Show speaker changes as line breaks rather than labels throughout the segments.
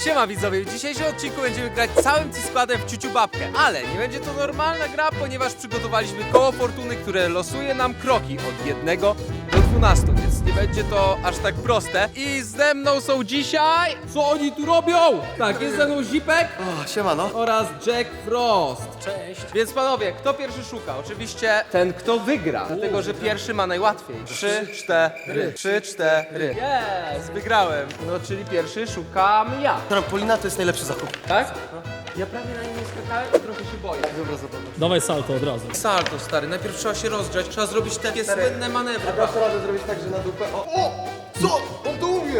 Siema widzowie, w dzisiejszym odcinku będziemy grać całym składem w ciuciu babkę. Ale nie będzie to normalna gra, ponieważ przygotowaliśmy koło fortuny, które losuje nam kroki od 1 do 12, więc nie będzie to aż tak proste. I ze mną są dzisiaj... Co oni tu robią? Tak, jest ze mną Zipek
O, siemano.
oraz Jack Frost.
Cześć.
Więc panowie, kto pierwszy szuka? Oczywiście ten, kto wygra, dlatego że pierwszy ma najłatwiej. 3, 4, 3, 4. Jest, wygrałem. No, czyli pierwszy szukam ja.
Trampolina to jest najlepszy zakup.
Tak? Ja prawie na nim nie skakałem i trochę się boję.
Dobra, zobacz.
Dawaj salto od razu.
Salto, stary, najpierw trzeba się rozgrzać, trzeba zrobić takie słynne manewry.
Dasz radę zrobić tak, że na dupę... O! Co? On to umie!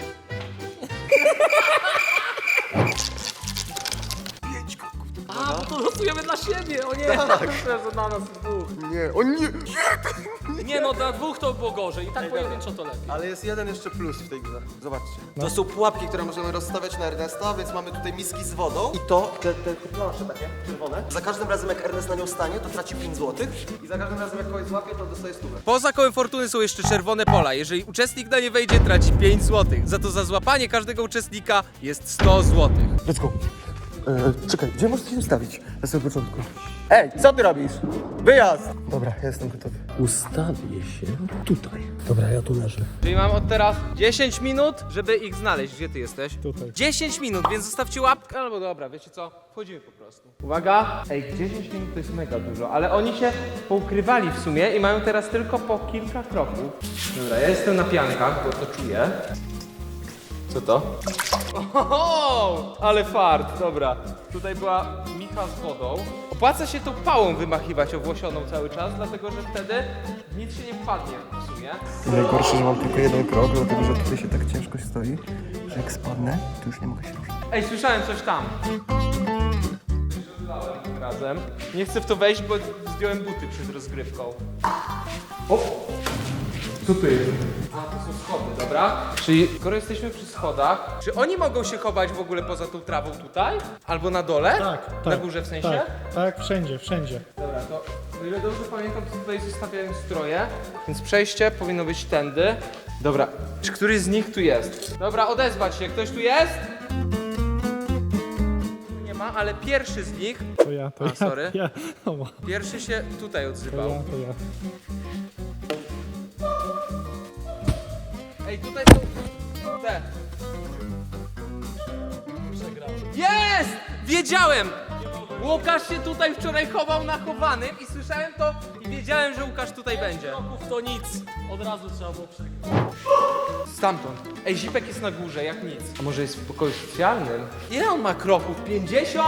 A, bo to losujemy dla siebie, o nie! Tak. Że na nas dwóch.
Nie, on nie...
Nie no, dla dwóch to było gorzej i tak pojedynczo to lepiej.
Ale jest jeden jeszcze plus w tej grze. Zobaczcie. To są pułapki, które możemy rozstawiać na Ernesta, więc mamy tutaj miski z wodą. I to, te plansze takie czerwone. Za każdym razem jak Ernest na nią stanie, to traci 5 zł. I za każdym razem jak kogoś złapie, to dostaje 100.
Poza kołem fortuny są jeszcze czerwone pola. Jeżeli uczestnik na nie wejdzie, traci 5 zł. Za to za złapanie każdego uczestnika jest 100 zł.
Let's go. Czekaj, gdzie możesz się ustawić na samym początku? Ej, co ty robisz? Wyjazd! Dobra, ja jestem gotowy.
Ustawię się tutaj. Dobra, ja tu leżę.
Czyli mam od teraz 10 minut, żeby ich znaleźć. Gdzie ty jesteś?
Tutaj.
10 minut, więc zostawcie łapkę, albo dobra, wiecie co? Wchodzimy po prostu. Uwaga! Ej, 10 minut to jest mega dużo, ale oni się poukrywali w sumie i mają teraz tylko po kilka kroków. Dobra, ja jestem na piankach, bo to czuję. Co to? Oho, ale fart, dobra. Tutaj była micha z wodą. Opłaca się tą pałą wymachiwać owłosioną cały czas, dlatego że wtedy nic się nie wpadnie w sumie.
Najgorsze, że mam tylko jeden krok, dlatego że tutaj się tak ciężko stoi, że jak spadnę, to już nie mogę się ruszyć.
Ej, słyszałem coś tam. Tym razem. Nie chcę w to wejść, bo zdjąłem buty przed rozgrywką. O! Co to jest? A, to są schody, dobra. Czyli skoro jesteśmy przy schodach, czy oni mogą się chować w ogóle poza tą trawą tutaj? Albo na dole?
Tak,
Na górze w sensie?
Tak, wszędzie, wszędzie.
Dobra, to o ile dobrze pamiętam, to tutaj zostawiałem stroje, więc przejście powinno być tędy. Dobra, czy któryś z nich tu jest? Dobra, odezwać się, ktoś tu jest? Tu nie ma, ale pierwszy z nich,
To ja, to
A,
ja.
sorry.
Ja. O,
pierwszy się tutaj
to
odzywał.
ja, to ja.
Ej, tutaj są te. Jest! Wiedziałem! Łukasz się tutaj wczoraj chował na chowanym i słyszałem to i wiedziałem, że Łukasz tutaj będzie.
Kroków to nic. Od razu trzeba było przegrać.
Stamtąd. Ej, Zipek jest na górze, jak nic. A może jest w pokoju specjalnym? Ile on ma kroków? 50?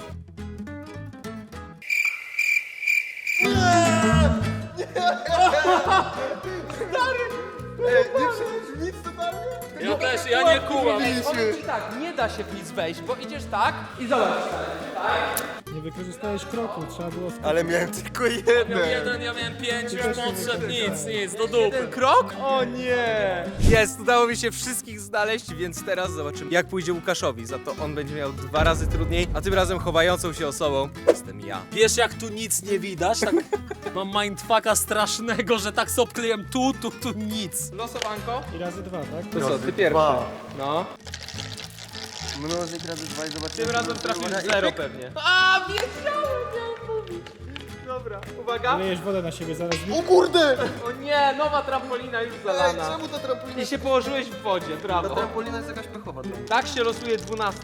Ja też, ja nie kułam.
Powiem ci tak, nie da się w nic wejść, bo idziesz tak i zobacz.
Nie wykorzystałeś kroku, trzeba było...
Ale miałem tylko
Miał
jeden.
jeden, ja miałem 5, już podszedł, nic, do dupy.
Jeden krok? O nie! Jest, udało mi się wszystkich znaleźć, więc teraz zobaczymy, jak pójdzie Łukaszowi. Za to on będzie miał 2 razy trudniej, a tym razem chowającą się osobą jestem ja.
Wiesz jak tu nic nie widać? Tak mam mindfucka strasznego, że tak sobie obkleiłem tu nic.
Losowanko?
I razy 2, tak?
To co, ty pierwszy.
Dwa.
No.
Mnożnik razy 2 i zobaczymy.
Tym razem trafił 0 pewnie. A, wiedziałem, miałem mówić. Dobra, uwaga.
Lejesz wodę na siebie, zaraz...
O kurde!
O nie, nowa trampolina już
Ej,
zalana.
czemu ta trampolina?
I się położyłeś w wodzie,
Ta
brawo.
trampolina jest jakaś pechowa.
Tak się losuje 12.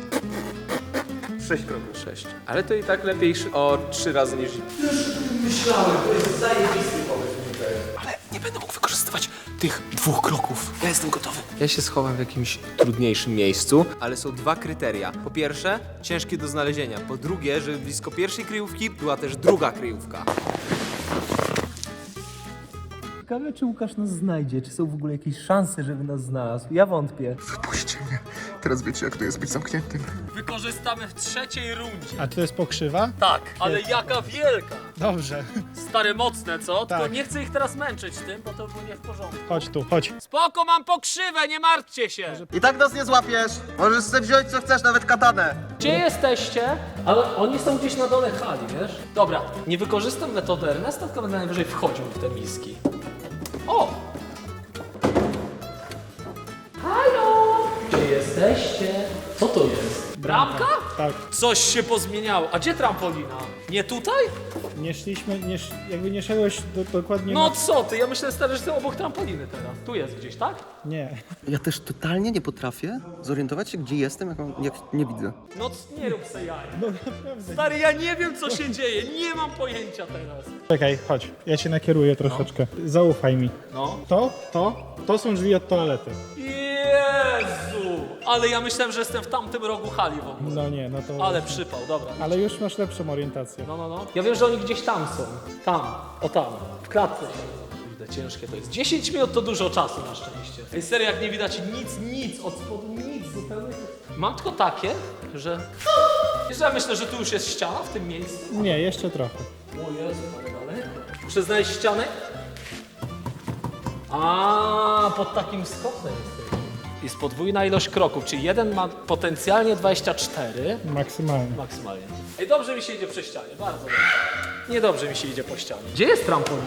6 kroków.
6. Ale to i tak lepiej o 3 razy niż... Myślałem, to jest zajebisty pomysł.
Ale nie będę mógł wykorzystywać tych 2 kroków. Ja jestem gotowy.
Ja się schowam w jakimś trudniejszym miejscu, ale są 2 kryteria. Po pierwsze, ciężkie do znalezienia. Po drugie, żeby blisko pierwszej kryjówki była też druga kryjówka. Ciekawe, czy Łukasz nas znajdzie, czy są w ogóle jakieś szanse, żeby nas znalazł. Ja wątpię.
Wypuśćcie mnie. Teraz wiecie, jak to jest być zamkniętym.
Wykorzystamy w 3. rundzie.
A to jest pokrzywa?
Tak, ale jaka wielka.
Dobrze.
Stare mocne, co? Tylko
Tak.
nie chcę ich teraz męczyć tym, bo to było nie w porządku.
Chodź tu, chodź.
Spoko, mam pokrzywę, nie martwcie się.
I tak nas nie złapiesz. Możesz sobie wziąć co chcesz, nawet katanę.
Gdzie jesteście? Ale oni są gdzieś na dole hali, wiesz? Dobra, nie wykorzystam metody Ernesta, tylko będę najwyżej wchodził w te miski. O! Halo! Gdzie jesteście? Co to jest? Bramka?
Tak.
Coś się pozmieniało. A gdzie trampolina? Nie tutaj?
Nie szliśmy, jakby nie szedłeś dokładnie
No
na...
co ty? Ja myślę, stary, że ty obok trampoliny teraz. Tu jest gdzieś, tak?
Nie.
Ja też totalnie nie potrafię zorientować się, gdzie jestem, jak nie widzę.
No nie rób se jaj.
No naprawdę.
Stary, ja nie wiem, co się dzieje. Nie mam pojęcia teraz.
Czekaj, chodź. Ja cię nakieruję troszeczkę. Zaufaj mi.
No.
To są drzwi od toalety.
Jezu! Ale ja myślałem, że jestem w tamtym rogu hali w ogóle.
No nie, no to...
Ale przypał, dobra.
Ale już masz lepszą orientację.
No. Ja wiem, że oni gdzieś tam są. Tam, o tam, w klatce. Kurde, ciężkie to jest. 10 minut to dużo czasu na szczęście. Ej, serio, jak nie widać nic, od spodu nic zupełnie. Mam tylko takie, że... Wiesz, ja myślę, że tu już jest ściana w tym miejscu.
Nie, jeszcze trochę.
O Jezu, ale daleko. Muszę znaleźć ścianę. A, pod takim skosem jest. Jest podwójna ilość kroków, czyli jeden ma potencjalnie 24.
Maksymalnie.
Maksymalnie. Ej, dobrze mi się idzie przy ścianie, bardzo dobrze. Niedobrze mi się idzie po ścianie. Gdzie jest trampolina?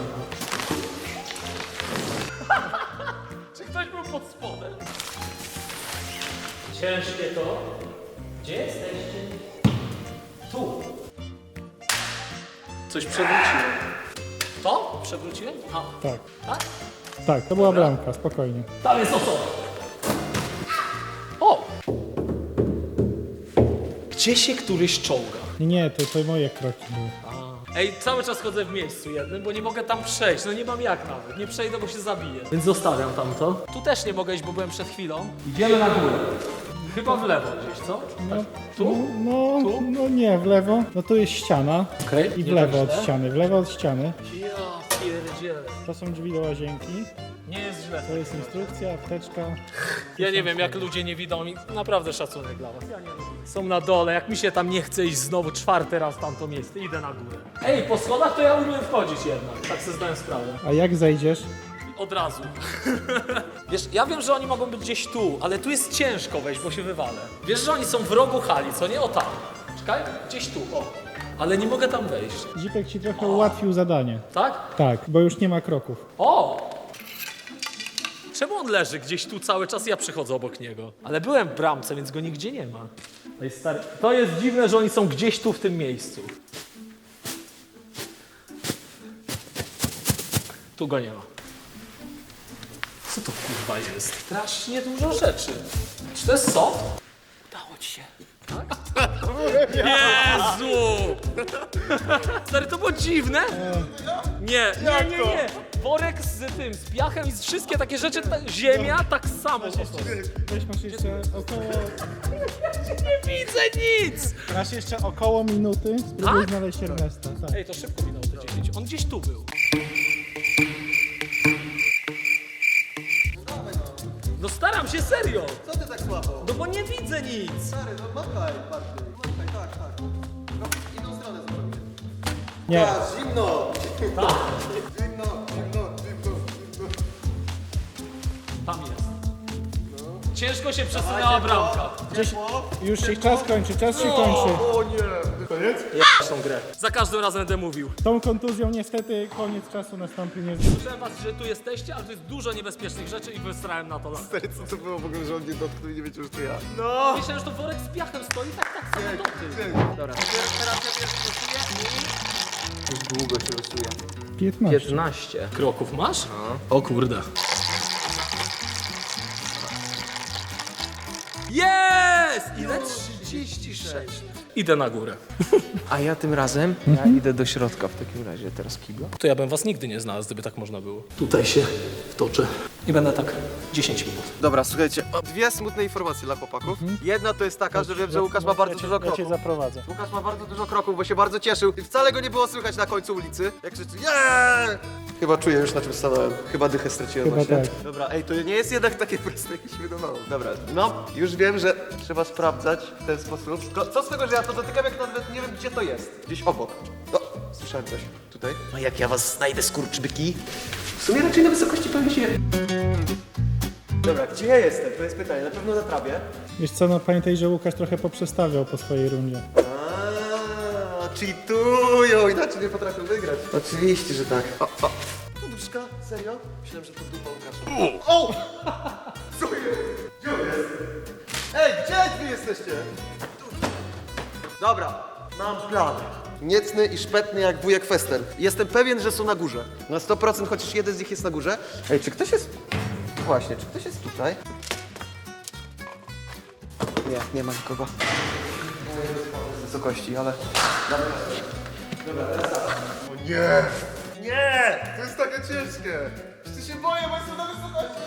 Czy ktoś był pod spodem? Ciężkie to. Gdzie jesteście? Tu. Coś przewróciłem. To? Przewróciłem? A,
Tak.
tak?
Tak, to była bramka, spokojnie.
Tam jest osoba. O! Gdzie się któryś czołga?
Nie, to moje kroki były.
Ej, cały czas chodzę w miejscu jednym, bo nie mogę tam przejść. No nie mam jak nawet. Nie przejdę, bo się zabiję. Więc zostawiam tamto. Tu też nie mogę iść, bo byłem przed chwilą. Idziemy na górę. Chyba w lewo gdzieś, co?
No,
Tu?
no,
Tu?
no nie, w lewo. No tu jest ściana.
Okej.
I w
nie
lewo
tak
od
źle.
ściany, w lewo od ściany.
Ja pierdzielę.
To są drzwi do łazienki.
Nie jest źle.
To jest instrukcja, apteczka.
Ja nie wiem, jak ludzie nie widzą mi. Naprawdę szacunek dla was. Ja nie lubię. Są na dole, jak mi się tam nie chce iść znowu 4. raz w tamto miejsce, idę na górę. Ej, po schodach to ja umiem wchodzić jednak. Tak sobie zdałem sprawę.
A jak zejdziesz?
Od razu. Wiesz, ja wiem, że oni mogą być gdzieś tu, ale tu jest ciężko wejść, bo się wywalę. Wiesz, że oni są w rogu hali, co nie? O tam. Czekaj, gdzieś tu, o. Ale nie mogę tam wejść.
Zipek ci trochę ułatwił zadanie.
Tak?
Tak, bo już nie ma kroków.
O! Czemu on leży gdzieś tu cały czas? Ja przychodzę obok niego. Ale byłem w bramce, więc go nigdzie nie ma. To jest stary. To jest dziwne, że oni są gdzieś tu w tym miejscu. Tu go nie ma. Co to kurwa jest? Strasznie dużo rzeczy. Czy to jest soft? Udało ci się. Tak? Jezu! Stary, to było dziwne? Nie. Worek z tym, z piachem i z wszystkie takie rzeczy, ziemia tak samo.
Weź masz jeszcze około...
Nie widzę nic!
Masz jeszcze około minuty. Spróbuj
Tak?
znaleźć Ernesta. Tak.
Ej, to szybko minęło te 10. On gdzieś tu był. No staram się, serio!
Co ty tak słabo?
No bo nie widzę nic!
Stary, no machaj bardziej. Machaj, tak. No, inną stronę zrobię.
Nie,
Zimno!
Tak,
Zimno.
tam jest. Ciężko się przesunęła bramka.
już się czas kończy, czas się kończy.
O nie! Koniec?
Tą grę. Za każdym razem będę mówił.
Tą kontuzją niestety koniec czasu nastąpi nie...
Słyszałem was, że tu jesteście, ale tu jest dużo niebezpiecznych rzeczy i wysrałem na to lampę.
Stary, co to było w ogóle, że on nie dotknął i nie wiecie, że to ja?
Myślałem, że to worek z piachem stoi, tak samo do tyłu.
Dobra.
Teraz ja pierwszy losuję i... Długo się losuje.
15.
15.
Kroków masz? O kurde. Jest! Ile? 36. Idę na górę.
A ja tym razem, ja idę do środka w takim razie, teraz kibla.
To ja bym was nigdy nie znalazł, gdyby tak można było. Tutaj się wtoczę. I będę tak 10 minut.
Dobra, słuchajcie, dwie smutne informacje dla chłopaków. Jedna to jest taka, że wiem, że Łukasz ma bardzo dużo
Ja cię
kroków.
zaprowadzę.
Łukasz ma bardzo dużo kroków, bo się bardzo cieszył i wcale go nie było słychać na końcu ulicy, jak krzyczy yeah! Chyba czuję już, na czym stanąłem. Chyba dychę straciłem
Chyba
właśnie.
tak.
Dobra, ej, to nie jest jednak takie proste, jak mi się wydawało. Dobra, no, już wiem, że trzeba sprawdzać w ten sposób. Tylko co z tego, że ja to dotykam, jak nawet nie wiem, gdzie to jest. Gdzieś obok. O, słyszałem coś. Tutaj. No jak ja was znajdę, skurczybyki? W sumie raczej na wysokości pewnie się... Dobra, gdzie ja jestem? To jest pytanie. Na pewno na trawie.
Wiesz co, no pamiętaj, że Łukasz trochę poprzestawiał po swojej rundzie.
Cheatują, inaczej nie potrafią wygrać. Oczywiście, że tak. O. Poduszka? Serio? Myślałem, że to dupa Łukasza. O! Co jest? Gdzie on jest? Ej, gdzie wy jesteście? Dobra, mam plan. Niecny i szpetny jak wujek Fester. Jestem pewien, że są na górze. Na 100%, chociaż jeden z nich jest na górze. Ej, czy ktoś jest... Właśnie, czy ktoś jest tutaj? Nie ma nikogo. Z wysokości, ale...
Nie! Nie! To jest takie ciężkie! Przecież się boję, bo jestem na wysokości!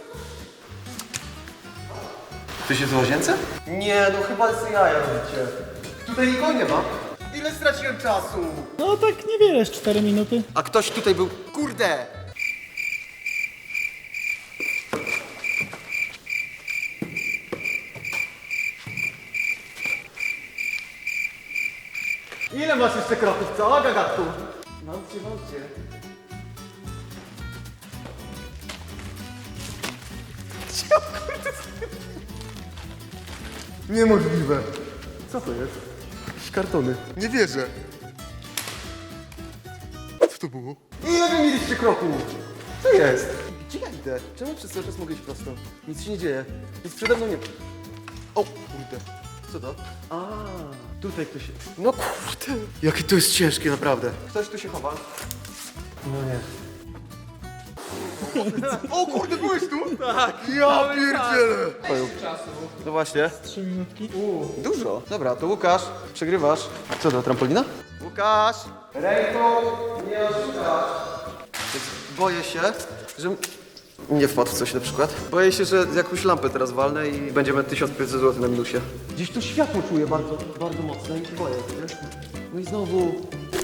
Ty się w łazience? Nie, no chyba z jaja robicie. Tutaj nikogo nie ma.
Ile straciłem czasu?
No tak niewiele, z 4 minuty.
A ktoś tutaj był... Kurde! Ile masz jeszcze kroków, co, gagatku? Wątcie.
Niemożliwe.
Co to jest? Jakieś kartony.
Nie wierzę. Co to było?
Ile wy mieliście kroków? Co jest? Gdzie ja idę? Czemu przez cały czas mogę iść prosto? Nic się nie dzieje. Nic przede mną nie... O, kurde. Co to? A, tutaj ktoś jest. No kurde. Jakie to jest ciężkie, naprawdę. Ktoś tu się chowa. No nie.
O kurde, byłeś tu? Tak. Ja pierdzielę.
No właśnie.
3 minutki.
Dużo. Dobra, to Łukasz, przegrywasz. Co to, trampolina? Łukasz! Ręką nie oszukasz. Boję się, że... Nie wpadł w coś na przykład. Boję się, że jakąś lampę teraz walnę i będziemy 1500 zł na minusie. Gdzieś tu światło czuję bardzo, bardzo mocno i się boję, wiesz? No i znowu...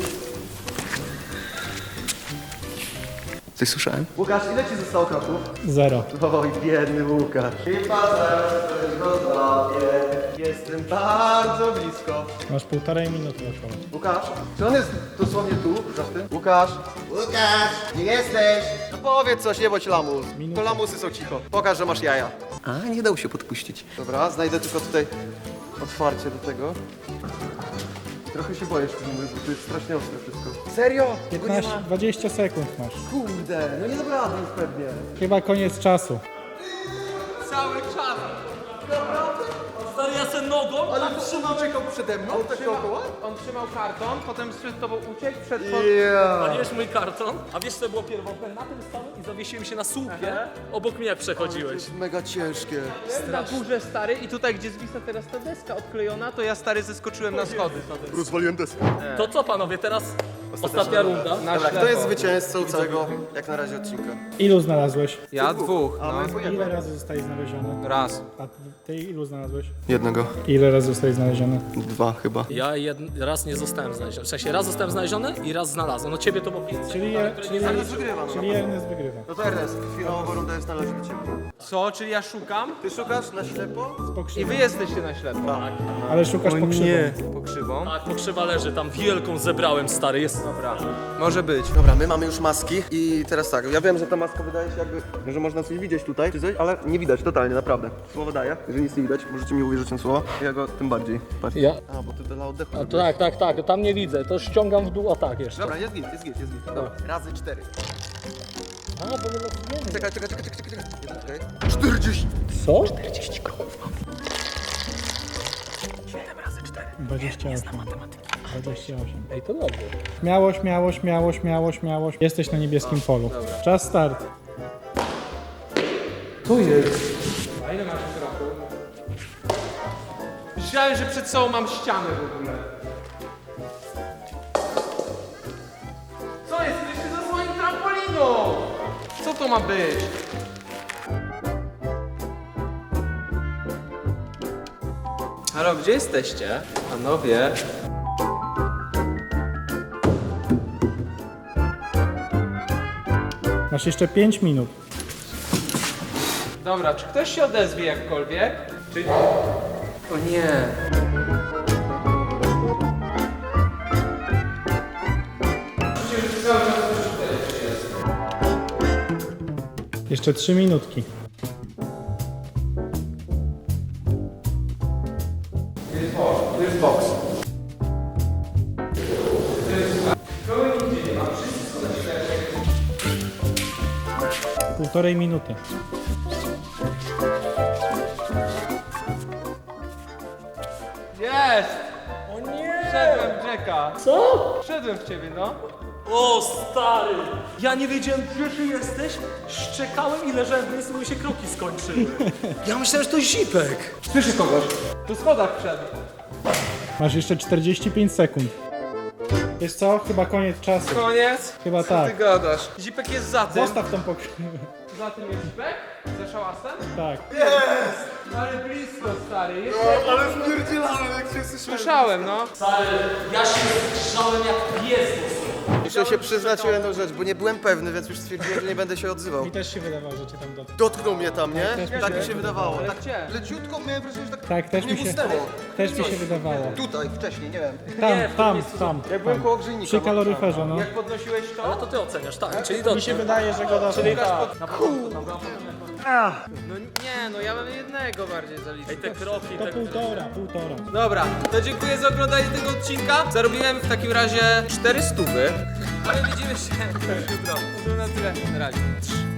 Coś słyszałem? Łukasz, ile ci zostało kroków?
0.
Oj, biedny Łukasz. Chyba zaraz coś go złapię. Jestem bardzo blisko.
Masz 1,5 minuty około.
Łukasz, czy on jest dosłownie tu, za tym? Łukasz! Łukasz! Gdzie jesteś? No powiedz coś, nie bądź lamus. To lamusy są cicho. Pokaż, że masz jaja. A, nie dał się podpuścić. Dobra, znajdę tylko tutaj otwarcie do tego. Trochę się boję, bo to jest strasznie ostre wszystko. Serio? Tego nie
15,
ma?
20 sekund masz.
Kurde, no nie dam rady już pewnie.
Chyba koniec czasu.
Cały czas.
Stary, ja se nogą,
Ale trzymał czekał przede mną, tak dookoła?
On trzymał karton, potem przed tobą uciekł, przed...
a wiesz mój karton? A wiesz co było pierwotne? Na tym stałem i zawiesiłem się na słupie, obok mnie przechodziłeś.
Mega ciężkie.
Na górze, stary, i tutaj, gdzie zwisa teraz ta deska odklejona, to ja, stary, zeskoczyłem na schody.
Rozwaliłem deskę.
To co panowie, teraz ostatnia runda.
Na
Dobra,
ślepo.
kto jest zwycięzcą całego, jak na razie, odcinka?
Ilu znalazłeś?
Ja dwóch,
A my
no.
po
Ile
jednym.
razy zostaje znaleziony?
Raz.
A ty ilu znalazłeś?
Jednego.
Ile razy zostaje znaleziony?
2 chyba.
Ja raz nie zostałem znaleziony. W sensie raz zostałem znaleziony i raz znalazłem. No ciebie to było 5.
Ernest wygrywa, no.
Czyli Ernest wygrywa.
No to Ernest, chwilowo runda jest należy do ciebie.
Co? Czyli ja szukam?
Ty szukasz na ślepo?
Z
I
pokrzywą.
wy jesteście na ślepo.
Ale szukasz pokrzywą.
Pokrzywą?
Tak, pokrzywa leży, tam wielką zebrałem, stary, jest.
Dobra. Może być.
Dobra, my mamy już maski i teraz tak, ja wiem, że ta maska wydaje się jakby, że można coś widzieć tutaj, czy coś, ale nie widać totalnie, naprawdę. Słowo daję, jeżeli nic nie widać, możecie mi uwierzyć na słowo, ja go tym bardziej. Patrz.
Ja?
A, bo ty dla oddechu.
A, tak, tam nie widzę, to ściągam w dół, a tak jeszcze.
Dobra, jest git. Dobra, razy 4.
A, bo nie losujemy.
Czekaj. Jeden, czekaj. 40!
Co?
28. 28.
Ej, to dobrze.
Śmiało. Jesteś na niebieskim polu. Czas start.
A ile masz kroków? Myślałem, że przed sobą mam ścianę w ogóle. Co jest? Jesteście za swoim trampoliną! Co to ma być? Halo, gdzie jesteście? Panowie.
Masz jeszcze 5 minut.
Dobra, czy ktoś się odezwie jakkolwiek? Czy... O nie.
Jeszcze 3 minutki.
To jest boks.
Półtorej minuty.
Jest!
O nie!
Wszedłem w Jacka.
Co?
Wszedłem w ciebie, no.
O stary! Ja nie wiedziałem, gdzie ty jesteś. Szczekałem i leżałem w miejscu, bo mi się kroki skończyły. Ja myślałem, że to zipek.
Słyszę kogoś. Po schodach wszedł.
Masz jeszcze 45 sekund. Wiesz co? Chyba koniec czasu.
Koniec?
Chyba
Co
tak.
ty gadasz? Zipek jest za tym.
Zostaw tą pokrywę.
Za tym jest Zipek? Za szałasem?
Tak.
Ale blisko, stary. Jest
No, ale spierdzielałem, jak się słyszałem.
Słyszałem, no.
Stary, ja się grzałem jak pies.
Muszę się przyznać o jedną rzecz, bo nie byłem pewny, więc już stwierdziłem, że nie będę się odzywał.
Mi też się wydawało, że cię tam dotknął.
Dotknął mnie tam, nie?
też
Tak
mi
mi
się
się wydawało.
Ale
Tak
gdzie?
leciutko miałem wrażenie, że
Tak, też
mnie
mi się,
musnęło.
też mi się wydawało.
Tutaj, wcześniej, nie wiem.
Tam.
Jak byłem koło grzejnika.
Przy kaloryferze, no.
Jak podnosiłeś
Ale
to?
to ty oceniasz, tak? Czyli
Mi
dobrze.
się wydaje, że go dotknął.
No nie, no ja mam jednego bardziej zaliczyć.
Ej, te kroki,
To
te...
półtora.
Dobra, to dziękuję za oglądanie tego odcinka. Zarobiłem w takim razie 400. Ale widzimy się już jutro. To na tyle. Na razie.